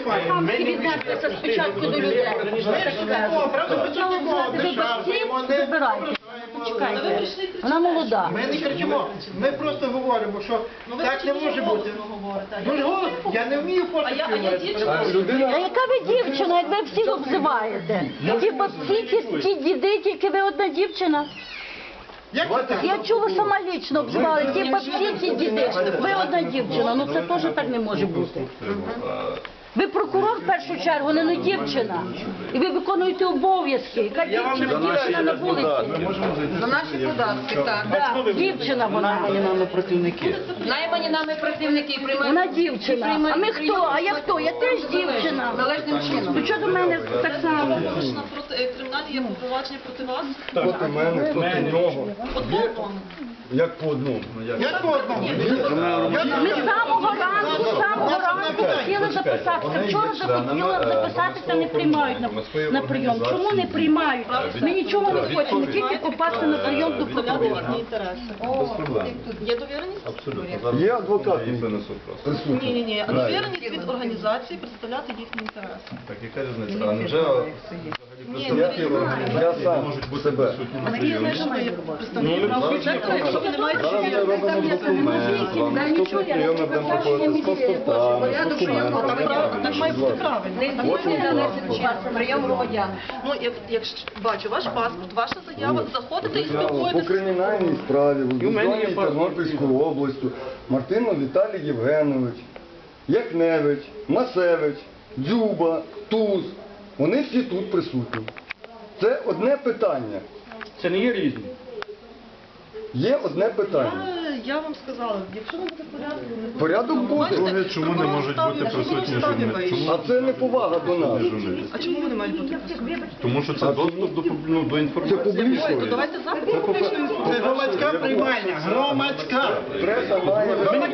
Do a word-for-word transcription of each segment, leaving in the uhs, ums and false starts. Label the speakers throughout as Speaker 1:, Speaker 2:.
Speaker 1: хамськи віднестися спочатку до людей. Вибирайте. Почекайте. Вона молода.
Speaker 2: Ми не кричимо, ми просто говоримо, що так не може бути. Ну ж голос, я не вмію пошуки говорити.
Speaker 1: А яка ви дівчина, як ви всіх обзиваєте? Ті бабці, ті, ті діди, тільки ви одна дівчина.
Speaker 2: Як це так?
Speaker 1: Я чула сама лічно обзивали, ті бабці, ті діди. Ви одна дівчина, ну це теж так не може бути. Ви прокурор в першу чергу, не дівчина. І ви виконуєте обов'язки. Яка дівчина, дівчина на вулиці.
Speaker 3: За наші податки, так.
Speaker 1: Так, дівчина вона.
Speaker 4: Нами працівники.
Speaker 3: Наймані нами працівники приймають.
Speaker 1: Вона дівчина. А ми хто? А я хто? Я теж дівчина.
Speaker 3: Належним чином.
Speaker 1: Ну що до мене так само?
Speaker 5: Кримінальні є провадження проти вас?
Speaker 6: Проти мене, проти нього. Є, як по одному.
Speaker 2: Як по одному?
Speaker 1: Ми з самого ранку, з самого ранку хотіли записатися. Вчора захотіла записатися, не приймають на, на прийом. Чому не приймають? Ми нічого не хочемо, тільки попасти на прийом до прокурора.
Speaker 5: Без проблем. Є довіреність?
Speaker 4: Абсолютно.
Speaker 6: Є адвокат.
Speaker 4: Їх винесу просто.
Speaker 5: Ні, ні, ні. А довіреність від організації представляти їхні інтереси.
Speaker 4: Так, яка різниця? А невже представники
Speaker 6: Я
Speaker 4: організації
Speaker 6: сам
Speaker 4: можуть бути
Speaker 6: себе.
Speaker 4: присутні на
Speaker 5: Такі
Speaker 4: прийомі?
Speaker 5: знаєш, що є представники правого сектора, якщо ви не маєте
Speaker 4: Зараз ми
Speaker 5: довіреності.
Speaker 4: робимо документ, вам наступний прийом ми будемо проходити з паспортами, з документами.
Speaker 5: Так має бути правильно.
Speaker 3: Належним чином. Прийом громадян.
Speaker 5: Ну, як, якщо бачу ваш паспорт, ваша заява, заходите і
Speaker 6: по
Speaker 5: спілкуєтеся.
Speaker 6: кримінальній справі, возбужденій Тернопільською областю, Мартинов Віталій Євгенович, Яхневич, Масевич, Дзюба, Туз, вони всі тут присутні. Це одне питання.
Speaker 7: Це не є різні.
Speaker 6: Є одне питання.
Speaker 5: Я, я вам сказала, якщо не буде порядку, не буде.
Speaker 6: Порядок буде.
Speaker 4: Друге, чому не можуть бути присутні журналісти?
Speaker 6: А це не повага до нас.
Speaker 5: А чому вони мають бути присутні?
Speaker 4: Тому що це доступ до, ну, до
Speaker 6: Це
Speaker 4: інформації.
Speaker 6: публічно.
Speaker 5: То давайте запит про публічну
Speaker 2: Це
Speaker 5: інформацію.
Speaker 2: громадська приймальня, громадська.
Speaker 6: Преса має.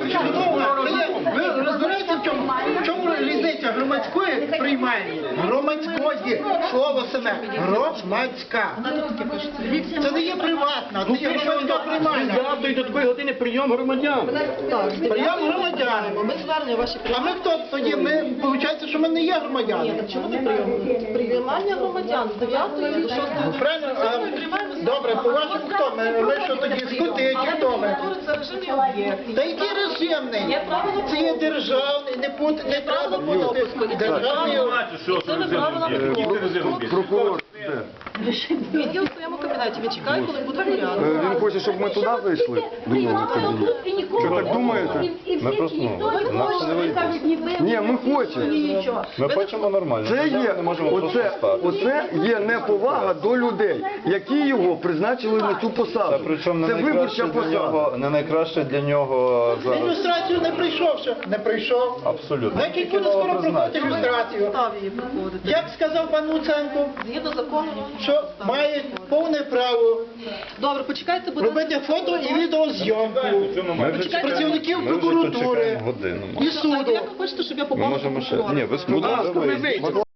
Speaker 2: Ви розбираєте, в чому, в чому різниця громадської приймальні? Громадської, слово саме, громадська. Це не є приватна, це є громадська приймальня.
Speaker 7: Завтра і до такої години прийом громадян.
Speaker 2: Прийом громадян.
Speaker 5: Ми звернення ваші
Speaker 2: А ми хто тоді? Ми, виходить, що ми не є громадяни.
Speaker 5: Ні, так чому не прийом? Приймання громадян з дев'ятої до шостої.
Speaker 2: Правильно? А, добре, по-вашому хто? Ми, ми що тоді, скути, чи хто ми?
Speaker 5: Це режимний об'єкт.
Speaker 2: Та який режимний? Це є державний, не пут, не треба бути державний.
Speaker 5: Це не правила
Speaker 6: Прокурор.
Speaker 5: Відділ в своєму кабінеті. Він чекає, коли буде порядок.
Speaker 6: Він хоче, щоб ми туди вийшли. До нього в кабінет. Що так думаєте?
Speaker 4: Ми просто, ну, нас не вийде.
Speaker 6: Ні, ми хочемо.
Speaker 4: Ми хочемо нормально.
Speaker 6: Це
Speaker 4: Ми
Speaker 6: є,
Speaker 4: не можемо просто
Speaker 6: оце,
Speaker 4: стати.
Speaker 6: оце є неповага до людей, які його призначили на цю
Speaker 4: Та
Speaker 6: посаду.
Speaker 4: причому
Speaker 6: Це
Speaker 4: не
Speaker 6: виборча
Speaker 4: найкраще для
Speaker 6: посада.
Speaker 4: нього, не найкраще для нього зараз.
Speaker 2: Ілюстрацію не прийшов ще. Не прийшов.
Speaker 4: Абсолютно.
Speaker 2: Значить,
Speaker 4: Тільки
Speaker 2: буде скоро
Speaker 4: нове
Speaker 2: проходити
Speaker 4: призначення.
Speaker 2: ілюстрацію.
Speaker 5: Став її проходити.
Speaker 2: Як сказав пан Луценко,
Speaker 5: Згідно закону.
Speaker 2: що має повне право
Speaker 5: Добре, почекайте, будь ласка.
Speaker 2: робити фото і відеозйомку
Speaker 4: Ми вже
Speaker 2: працівників
Speaker 4: ми вже тут
Speaker 2: прокуратури
Speaker 4: чекаємо годину.
Speaker 2: і суду.
Speaker 5: Як ви хочете, щоб я
Speaker 4: Ми
Speaker 5: попала
Speaker 4: можемо
Speaker 5: до
Speaker 4: ще...
Speaker 5: прокурора?
Speaker 4: Ні, ви спробуйте вийти.